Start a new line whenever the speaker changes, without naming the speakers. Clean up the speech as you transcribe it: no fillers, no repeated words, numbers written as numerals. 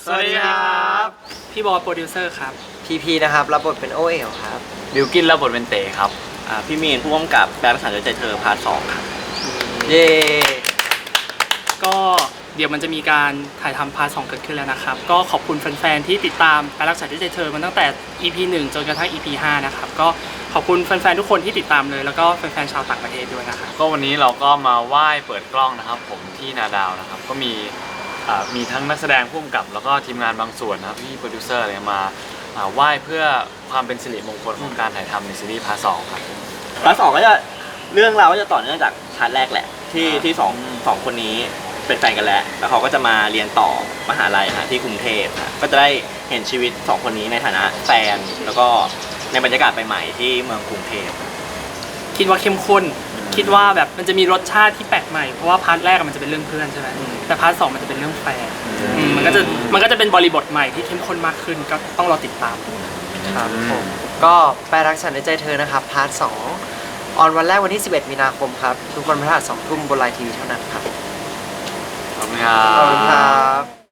สวัสดีครับ
พี่บอยโปรดิวเซอร์ครับ
พีนะครับรับบทเป็นโอเอ๋วครับ
บิวกินรับบทเป็นเต๋ครับ
พี่มีนผู้กำกับแปลรักษาใจเธอพาร์ท 2ครับ
เย่
ก็เดี๋ยวมันจะมีการถ่ายทำพาร์ท 2เกิดขึ้นแล้วนะครับ ก็ขอบคุณแฟนๆที่ติดตามการรักษาด้วยใจเธอมาตั้งแต่ EP 1 จนกระทั่ง EP 5 นะครับ ก็ขอบคุณแฟนๆทุกคนที่ติดตามเลย แล้วก็แฟนๆชาวต่างประเทศด้วยนะครับ
ก็วันนี้เราก็มาไหว้เปิดกล้องนะครับผมที่นาดาวนะครับก็มีทั้งนักแสดงผู้กำกับแล้วก็ทีมงานบางส่วนนะครับพี่โปรดิวเซอร์อะไรมาไหว้เพื่อความเป็นสิริมงคลของการถ่ายทำในซีรีส์พาร์ท 2ครับ
พาร์ท 2ก็จะเรื่องราวก็จะต่อเนื่องจากพาร์ทแรกแหละที่สองคนนี้เป็นแฟนกันแล้วเขาก็จะมาเรียนต่อมหาลัยที่กรุงเทพก็จะได้เห็นชีวิต2คนนี้ในฐานะแฟนแล้วก็ในบรรยากาศใหม่ๆที่เมืองกรุงเทพ
คิดว่าเข้มข้น คิดว่าแบบมันจะมีรสชาติที่แปลกใหม่ เพราะว่าพาร์ทแรกมันจะเป็นเรื่องเพื่อนใช่ไหมแต่พาร์ท 2มันจะเป็นเรื่องแฟนมันก็จะเป็นบริบทใหม่ที่เข้มข้นมากขึ้น ก็ต้องรอติดตาม
ครับผมก็แปลรักฉันในใจเธอนะครับพาร์ท 2 ออนวันแรกวันที่ 11 มีนาคมครับ ทุกวันพฤหัส 2 ทุ่มบนไลน์ทีวีเท่านั้นครับ
ขอบคุณครั
ขอบคุณ
บ
ครับ